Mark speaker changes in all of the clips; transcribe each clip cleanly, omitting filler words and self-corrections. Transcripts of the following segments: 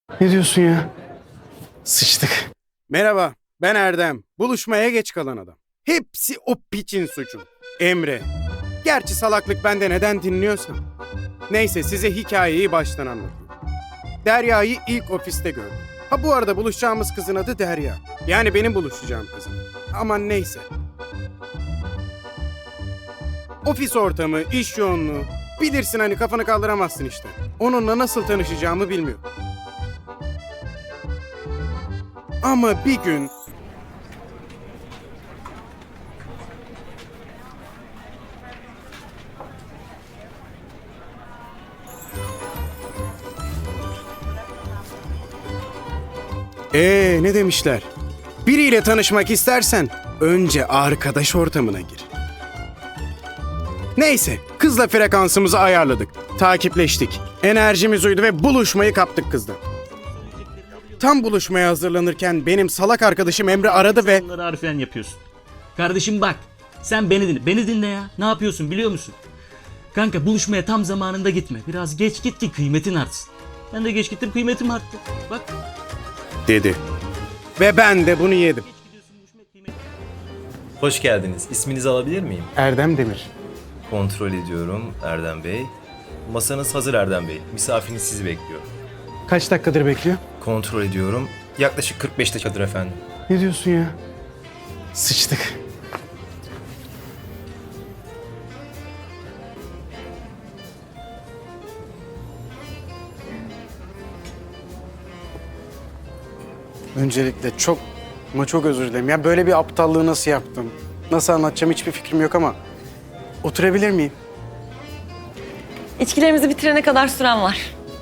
Speaker 1: Ne diyorsun ya? Sıçtık.
Speaker 2: Merhaba, ben Erdem. Buluşmaya geç kalan adam. Hepsi o piçin suçu. Emre. Gerçi salaklık bende, neden dinliyorsan. Neyse, size hikayeyi baştan anlatayım. Derya'yı ilk ofiste gördüm. Ha, bu arada buluşacağımız kızın adı Derya. Yani benim buluşacağım kızım. Aman neyse. Ofis ortamı, iş yoğunluğu. Bilirsin hani, kafanı kaldıramazsın işte. Onunla nasıl tanışacağımı bilmiyorum. Ama bir gün ne demişler? Biriyle tanışmak istersen önce arkadaş ortamına gir. Neyse, kızla frekansımızı ayarladık. Takipleştik. Enerjimiz uydu ve buluşmayı kaptık kızla. Tam buluşmaya hazırlanırken benim salak arkadaşım Emre aradı ve...
Speaker 3: Bunları harfiyen yapıyorsun. Kardeşim bak, sen beni dinle. Beni dinle ya. Ne yapıyorsun biliyor musun? Kanka buluşmaya tam zamanında gitme. Biraz geç git ki kıymetin artsın. Ben de geç gittim, kıymetim arttı. Bak.
Speaker 2: dedi. Ve ben de bunu yedim.
Speaker 4: Hoş geldiniz. İsminizi alabilir miyim?
Speaker 2: Erdem Demir.
Speaker 4: Kontrol ediyorum Erdem Bey. Masanız hazır Erdem Bey. Misafiriniz sizi bekliyor.
Speaker 1: Kaç dakikadır bekliyor?
Speaker 4: Kontrol ediyorum. Yaklaşık 45 dakikadır efendim.
Speaker 1: Ne diyorsun ya? Sıçtık. Öncelikle çok özür dilerim. Ya böyle bir aptallığı nasıl yaptım? Nasıl anlatacağım hiçbir fikrim yok ama oturabilir miyim?
Speaker 5: İçkilerimizi bitirene kadar süren var.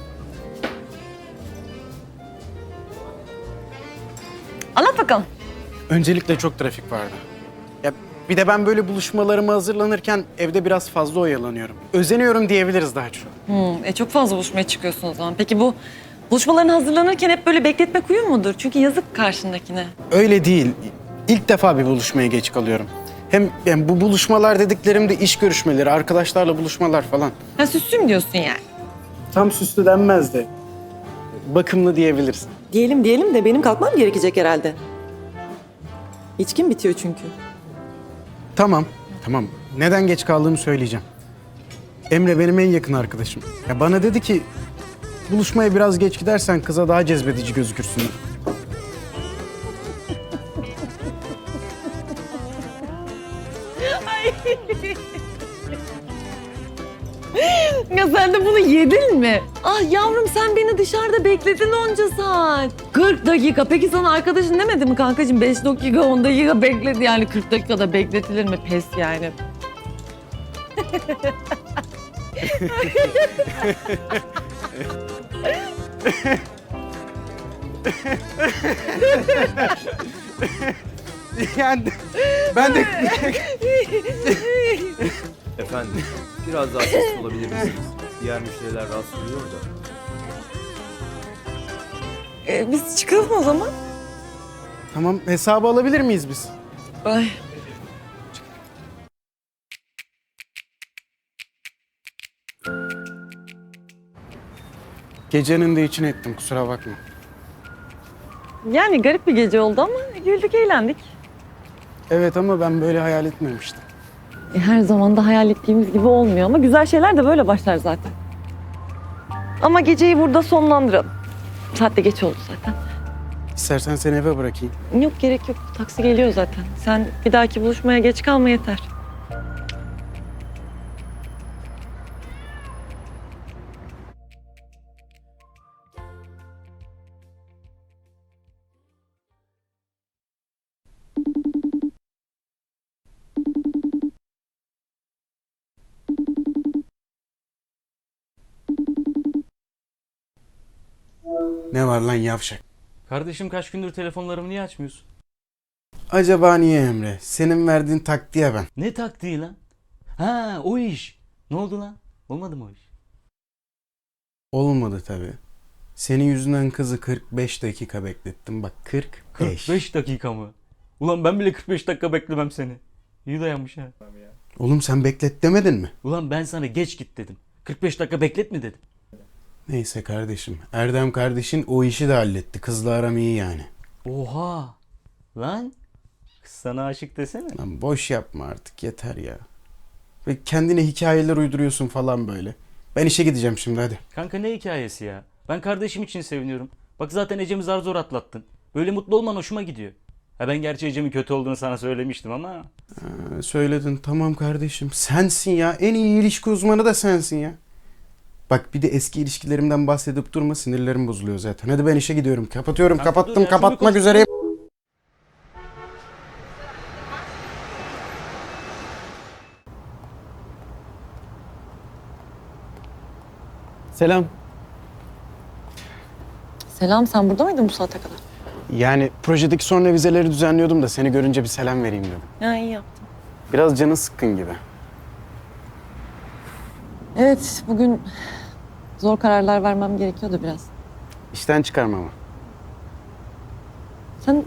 Speaker 5: Anlat bakalım.
Speaker 1: Öncelikle çok trafik vardı. Ya bir de ben böyle buluşmalarıma hazırlanırken evde biraz fazla oyalanıyorum. Özeniyorum diyebiliriz daha çok.
Speaker 5: Çok fazla buluşmaya çıkıyorsun o zaman. Peki bu buluşmalarına hazırlanırken hep böyle bekletmek uyum mudur? Çünkü yazık karşındakine.
Speaker 1: Öyle değil. İlk defa bir buluşmaya geç kalıyorum. Hem yani bu buluşmalar dediklerim de iş görüşmeleri, arkadaşlarla buluşmalar falan.
Speaker 5: Ha süslüm diyorsun yani.
Speaker 1: Tam süslü denmez de bakımlı diyebilirsin.
Speaker 6: Diyelim de benim kalkmam gerekecek herhalde. İçkim bitiyor çünkü.
Speaker 1: Tamam. Neden geç kaldığımı söyleyeceğim. Emre benim en yakın arkadaşım. Ya bana dedi ki buluşmaya biraz geç gidersen kıza daha cezbedici gözükürsün.
Speaker 5: Ya sen de bunu yedin mi? Ah yavrum sen beni dışarıda bekledin onca saat. 40 dakika. Peki sana arkadaşın demedi mi kankacığım? 5 dakika 10 dakika bekledi yani 40 dakikada bekletilir mi? Pes yani.
Speaker 1: Yani ben de
Speaker 4: Efendim, biraz daha sessiz olabilir misiniz? Diğer müşteriler rahatsız oluyor da.
Speaker 5: Biz çıkalım o zaman.
Speaker 1: tamam, hesabı alabilir miyiz biz?
Speaker 5: Ay.
Speaker 1: Gecenin de içine ettim, kusura bakma.
Speaker 5: Yani garip bir gece oldu ama güldük eğlendik.
Speaker 1: Evet ama ben böyle hayal etmemiştim.
Speaker 5: Her zaman da hayal ettiğimiz gibi olmuyor ama güzel şeyler de böyle başlar zaten. Ama geceyi burada sonlandıralım. Saat de geç oldu zaten.
Speaker 1: İstersen seni eve bırakayım.
Speaker 5: Yok gerek yok. Taksi geliyor zaten. Sen bir dahaki buluşmaya geç kalma yeter.
Speaker 1: Ne var lan yavşak?
Speaker 3: Kardeşim kaç gündür telefonlarımı niye açmıyorsun?
Speaker 1: Acaba niye Emre? Senin verdiğin taktiğe ben.
Speaker 3: Ne taktiği lan? Ha o iş. Ne oldu lan? Olmadı mı o iş?
Speaker 1: Olmadı tabii. Senin yüzünden kızı 45 dakika beklettim. Bak 45.
Speaker 3: 45 dakika mı? Ulan ben bile 45 dakika beklemem seni. İyi dayanmış ha.
Speaker 1: Oğlum sen beklet demedin mi?
Speaker 3: Ulan ben sana geç git dedim. 45 dakika bekletme dedim.
Speaker 1: Neyse kardeşim. Erdem kardeşin o işi de halletti. Kızla aram iyi yani.
Speaker 3: Oha! Lan! Kız sana aşık desene.
Speaker 1: Lan boş yapma artık yeter ya. Ve kendine hikayeler uyduruyorsun falan böyle. Ben işe gideceğim şimdi hadi.
Speaker 3: Kanka ne hikayesi ya? Ben kardeşim için seviniyorum. Bak zaten Ecem'i zar zor atlattın. Böyle mutlu olman hoşuma gidiyor. Ha ben gerçi Ecem'in kötü olduğunu sana söylemiştim ama...
Speaker 1: Söyledin tamam kardeşim. Sensin ya. En iyi ilişki uzmanı da sensin ya. Bak bir de eski ilişkilerimden bahsedip durma, sinirlerim bozuluyor zaten. Hadi ben işe gidiyorum. Kapatıyorum.
Speaker 3: Kanka dur
Speaker 1: Kapattım.
Speaker 3: ya,
Speaker 1: Kapatmak
Speaker 3: şimdi
Speaker 1: üzereyim. Selam.
Speaker 5: Selam, sen burada mıydın bu saate kadar?
Speaker 1: Yani projedeki son revizeleri düzenliyordum da seni görünce bir selam vereyim dedim.
Speaker 5: Ya iyi yaptın.
Speaker 1: Biraz canın sıkkın gibi.
Speaker 5: Evet, bugün zor kararlar vermem gerekiyordu biraz.
Speaker 1: İşten çıkarmama.
Speaker 5: Sen...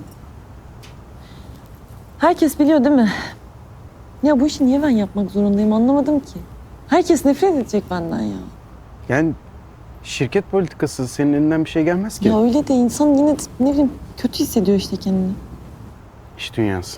Speaker 5: Herkes biliyor değil mi? Ya bu işi niye ben yapmak zorundayım anlamadım ki. Herkes nefret edecek benden ya.
Speaker 1: Yani şirket politikası, senin elinden bir şey gelmez ki.
Speaker 5: Ya öyle de insan yine de ne bileyim kötü hissediyor işte kendini.
Speaker 1: İş dünyası.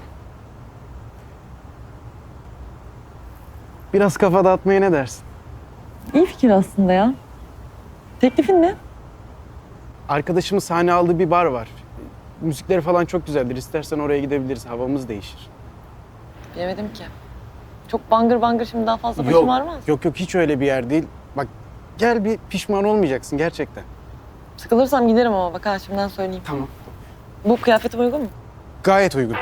Speaker 1: Biraz kafa dağıtmaya ne dersin?
Speaker 5: İyi fikir aslında ya. Teklifin ne?
Speaker 1: Arkadaşımın sahne aldığı bir bar var. Müzikleri falan çok güzeldir. İstersen oraya gidebiliriz. Havamız değişir.
Speaker 5: Bilemedim ki. Çok bangır bangır şimdi daha fazla başım ağrımaz.
Speaker 1: Yok hiç öyle bir yer değil. Bak gel, bir pişman olmayacaksın gerçekten.
Speaker 5: Sıkılırsam giderim ama bak ha şimdiden söyleyeyim.
Speaker 1: Tamam.
Speaker 5: Bu kıyafetim uygun mu?
Speaker 1: Gayet uygun.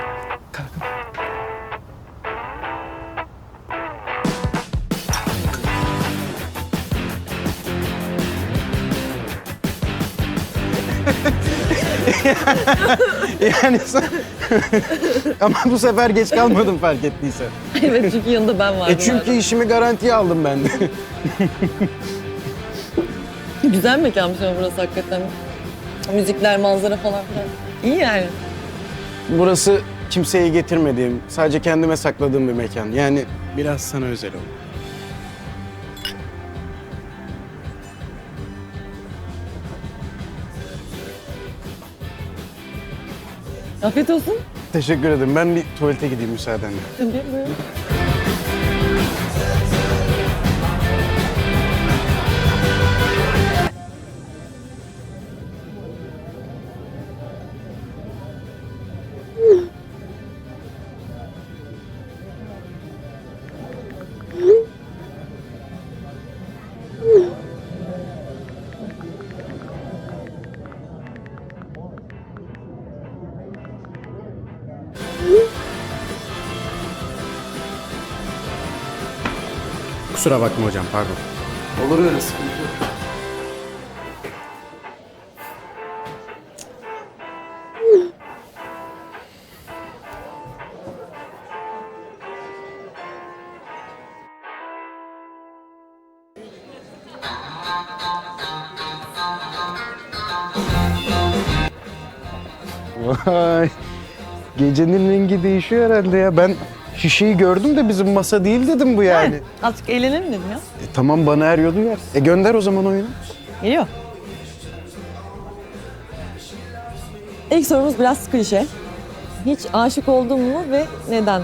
Speaker 1: Yani ama bu sefer geç kalmadım fark ettiysen.
Speaker 5: Evet çünkü yanında ben vardım.
Speaker 1: Çünkü işimi garantiye aldım ben de.
Speaker 5: Güzel mekanmış ama burası hakikaten. Müzikler, manzara falan filan. İyi yani.
Speaker 1: Burası kimseyi getirmediğim, sadece kendime sakladığım bir mekan. Yani biraz sana özel oldu.
Speaker 5: Afiyet olsun.
Speaker 1: Teşekkür ederim. Ben bir tuvalete gideyim müsaadenle.
Speaker 5: Tabii buyurun.
Speaker 1: Kusura bakma hocam, pardon. Olur öyle, sıkıntı yok. Vay. Gecenin rengi değişiyor herhalde ya. Ben şişeyi gördüm de bizim masa değil dedim bu yani.
Speaker 5: Azıcık eğlenelim dedim ya.
Speaker 1: Tamam, bana er yolu yer. Gönder o zaman oyunu.
Speaker 5: Geliyor. İlk sorumuz biraz klişe. Hiç aşık oldun mu ve neden?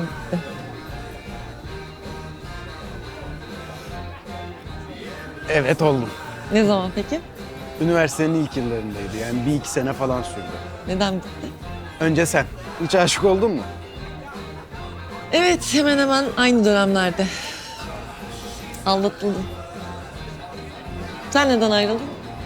Speaker 1: Evet, oldum.
Speaker 5: Ne zaman peki?
Speaker 1: Üniversitenin ilk yıllarındaydı. Yani 1-2 sene falan sürdü.
Speaker 5: Neden bitti?
Speaker 1: Önce sen. Hiç aşık oldun mu?
Speaker 5: Evet, hemen hemen aynı dönemlerde. Aldatıldım. Sen neden ayrıldın?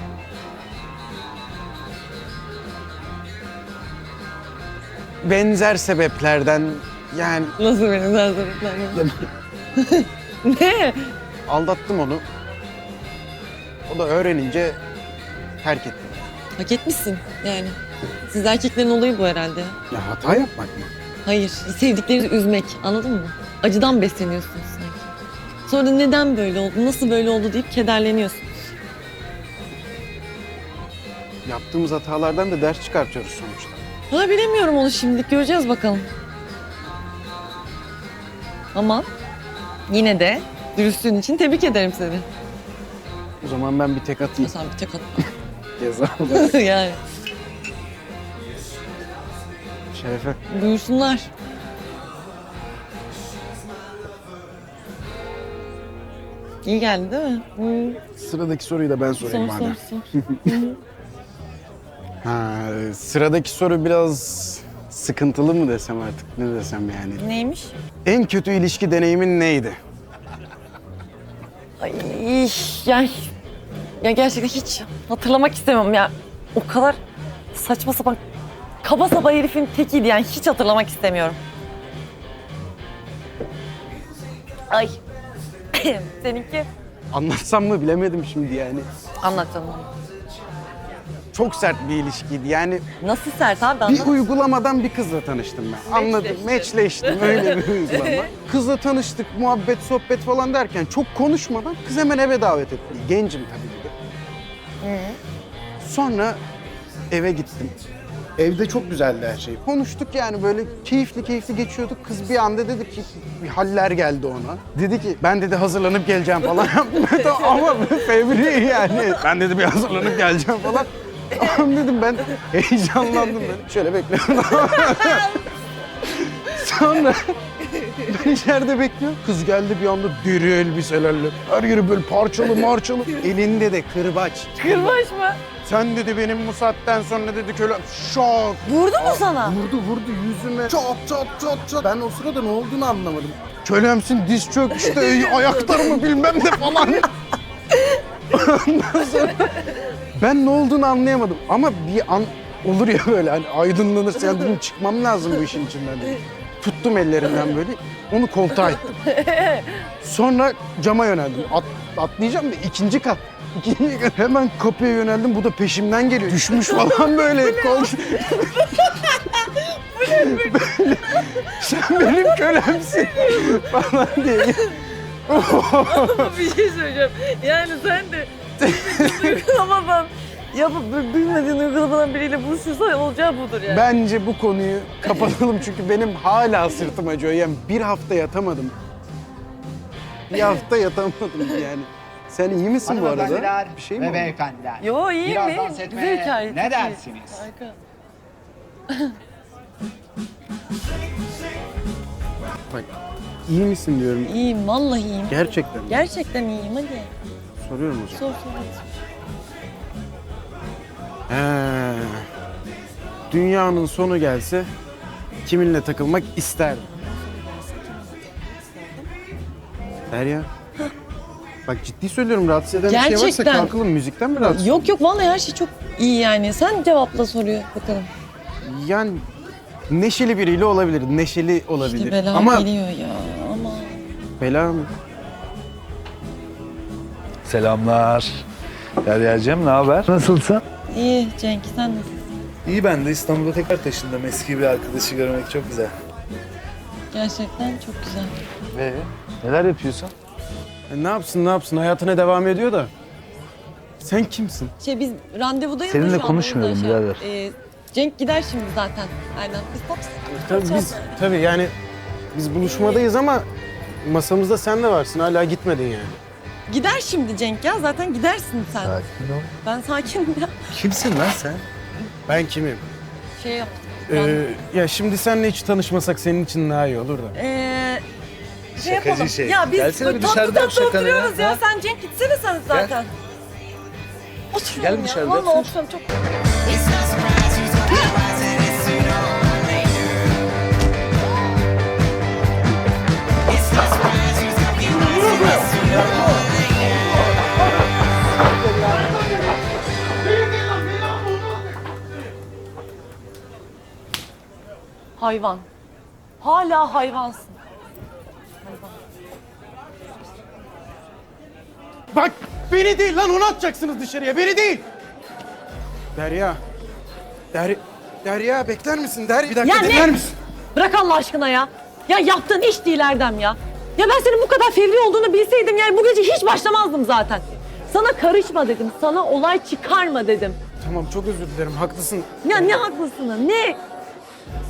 Speaker 1: Benzer sebeplerden yani
Speaker 5: Nasıl benim sebeplerden? Ne?
Speaker 1: aldattım onu. O da öğrenince terk etti.
Speaker 5: Hak etmişsin yani. Siz erkeklerin olayı bu herhalde.
Speaker 1: Ya hata yapmak mı?
Speaker 5: Hayır, sevdikleri üzmek. Anladın mı? Acıdan besleniyorsunuz sanki. Sonra da neden böyle oldu, nasıl böyle oldu deyip kederleniyorsunuz.
Speaker 1: Yaptığımız hatalardan da ders çıkartıyoruz sonuçta.
Speaker 5: Valla bilemiyorum onu şimdilik. Göreceğiz bakalım. Ama yine de dürüstlüğün için tebrik ederim seni.
Speaker 1: O zaman ben bir tek atayım.
Speaker 5: Sen bir tek atma.
Speaker 1: Ceza olarak.
Speaker 5: Yani
Speaker 1: Şerefe.
Speaker 5: buyursunlar. İyi geldi değil mi?
Speaker 1: Sıradaki soruyu da ben sorayım
Speaker 5: Sor
Speaker 1: madem.
Speaker 5: sor sor.
Speaker 1: Ha, sıradaki soru biraz sıkıntılı mı desem artık, ne desem yani.
Speaker 5: Neymiş?
Speaker 1: En kötü ilişki deneyimin neydi?
Speaker 5: Ay ya, ya gerçekten hiç hatırlamak istemiyorum ya. O kadar saçma sapan kaba saba herifin tekiydi yani hiç hatırlamak istemiyorum. Ay. Seninki?
Speaker 1: Anlatsam mı bilemedim şimdi yani.
Speaker 5: Anlat canım.
Speaker 1: Çok sert bir ilişkiydi yani.
Speaker 5: Nasıl sert abi
Speaker 1: Bir
Speaker 5: anlat.
Speaker 1: uygulamadan bir kızla tanıştım ben. Anladım, meçleştim öyle bir uygulama. Kızla tanıştık, muhabbet, sohbet falan derken çok konuşmadan kız hemen eve davet etti. Gencim tabii ki de. Sonra eve gittim. Evde çok güzeldi her şey. Konuştuk yani böyle keyifli geçiyorduk. Kız bir anda dedi ki bir haller geldi ona. Dedi ki ben dedi hazırlanıp geleceğim falan. Ama fevri yani. Ben dedi bir hazırlanıp geleceğim falan. Tamam dedim ben heyecanlandım ben. Şöyle bekliyorum. Sonra ben içeride bekliyorum. Kız geldi bir anda deri elbiselerle. Her yeri böyle parçalı marçalı. Elinde de kırbaç.
Speaker 5: Kırbaç mı?
Speaker 1: Sen dedi benim bu saatten sonra dedi köle şok.
Speaker 5: Vurdu mu sana?
Speaker 1: Vurdu yüzüme. Çat. Ben o sırada ne olduğunu anlamadım. Kölemsin diz çök işte ayaklar mı bilmem ne falan. Ondan sonra ben ne olduğunu anlayamadım ama bir an olur ya böyle hani aydınlanırsa yani dedim çıkmam lazım bu işin içinden dedim. Tuttum ellerinden böyle onu koltuğa ittim. Sonra cama yöneldim. Atlayacağım da ikinci kat. Hemen kapıya yöneldim. Bu da peşimden geliyor. Düşmüş falan böyle. Sen benim kölemsin falan diye.
Speaker 5: Bir şey söyleyeceğim. Yani sen de uygulamadan yapıp bilmediğin uygulamadan biriyle buluşursan olacağı budur yani.
Speaker 1: Bence bu konuyu kapatalım çünkü benim hala sırtım acıyor. Yani bir hafta yatamadım. Bir hafta yatamadım yani. Sen iyi misin bu arada?
Speaker 7: Hanımefendiler
Speaker 1: Bir şey mi
Speaker 7: ve
Speaker 1: oldu?
Speaker 7: beyefendiler.
Speaker 5: Yo iyiyim
Speaker 7: Biraz
Speaker 5: iyiyim.
Speaker 7: dans
Speaker 5: Güzel
Speaker 7: etmeye
Speaker 5: hikaye.
Speaker 7: ne
Speaker 5: çok iyi.
Speaker 7: dersiniz?
Speaker 5: Harika.
Speaker 1: Bak, iyi misin diyorum.
Speaker 5: İyiyim vallahi iyiyim.
Speaker 1: Gerçekten.
Speaker 5: Gerçekten iyiyim hadi.
Speaker 1: Soruyorum o zaman.
Speaker 5: Sor sor.
Speaker 1: Dünyanın sonu gelse kiminle takılmak isterdim? Derya. Bak ciddi söylüyorum rahatsız eden bir şey varsa
Speaker 5: Gerçekten.
Speaker 1: kalkalım. Müzikten mi rahatsız?
Speaker 5: Yok vallahi her şey çok iyi yani. Sen cevapla soruyor bakalım.
Speaker 1: Yani neşeli biriyle olabilir. Neşeli olabilir.
Speaker 5: İşte bela
Speaker 1: Ama
Speaker 5: geliyor ya ama.
Speaker 1: bela mı?
Speaker 8: Selamlar. Derya'cığım ne haber? Nasılsın?
Speaker 5: İyi Cenk sen nasılsın?
Speaker 8: İyi ben de İstanbul'a tekrar taşındım. Eski bir arkadaşı görmek çok güzel.
Speaker 5: Gerçekten çok güzel.
Speaker 8: Neler yapıyorsun?
Speaker 1: Ne yapsın hayatına devam ediyor da. Sen kimsin?
Speaker 5: Biz randevudayız.
Speaker 8: Seninle
Speaker 5: da şu an,
Speaker 8: konuşmuyorum
Speaker 5: o yüzden
Speaker 8: birader.
Speaker 5: Cenk gider şimdi zaten. Erdem biz
Speaker 1: Tabii yani biz buluşmadayız ama masamızda sen de varsın. Hala gitmedin yani.
Speaker 5: Gider şimdi Cenk ya zaten gidersin sen.
Speaker 8: Sakin ol.
Speaker 5: Ben sakinim ya.
Speaker 8: Kimsin lan sen?
Speaker 1: Ben kimim?
Speaker 5: Şey yaptım.
Speaker 1: Ya şimdi seninle hiç tanışmasak senin için daha iyi olur da.
Speaker 5: Şey
Speaker 8: Şakacı
Speaker 5: yapalım.
Speaker 8: şey.
Speaker 5: Ya biz
Speaker 8: Gelsene
Speaker 5: böyle
Speaker 8: bir
Speaker 5: tatlı
Speaker 8: dışarıda yap
Speaker 5: tatlı
Speaker 8: şakanı ya.
Speaker 5: oturuyoruz ya.
Speaker 8: Ha?
Speaker 5: Sen Cenk gitsene sen zaten. Oturuyorum
Speaker 8: Gel
Speaker 5: ya.
Speaker 8: dışarıda
Speaker 5: Vallahi
Speaker 8: otur.
Speaker 5: oturuyorum çok. Hayvan. Hala hayvansın.
Speaker 1: Bak beni değil lan onu atacaksınız dışarıya beni değil. Derya. Derya bekler misin? Bir dakika
Speaker 5: Ya ne?
Speaker 1: bekler misin?
Speaker 5: Bırak Allah aşkına ya. Ya yaptığın iş değil Erdem ya. Ya ben senin bu kadar fevri olduğunu bilseydim yani bu gece hiç başlamazdım zaten. Sana karışma dedim. Sana olay çıkarma dedim.
Speaker 1: Tamam çok özür dilerim haklısın.
Speaker 5: Ya ne haklısın ne?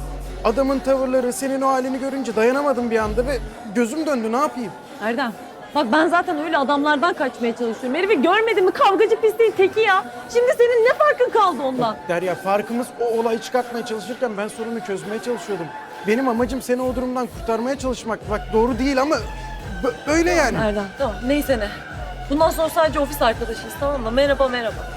Speaker 1: Adamın tavırları senin o halini görünce dayanamadım bir anda ve gözüm döndü ne yapayım?
Speaker 5: Erdem Bak ben zaten öyle adamlardan kaçmaya çalışıyorum. Herifi görmedin mi? Kavgacı pisliğin teki ya. Şimdi senin ne farkın kaldı ondan?
Speaker 1: Derya, farkımız o olayı çıkartmaya çalışırken ben sorunu çözmeye çalışıyordum. Benim amacım seni o durumdan kurtarmaya çalışmak. Bak doğru değil ama böyle yani.
Speaker 5: Erdem tamam neyse ne. Bundan sonra sadece ofis arkadaşıyız tamam mı? Merhaba merhaba.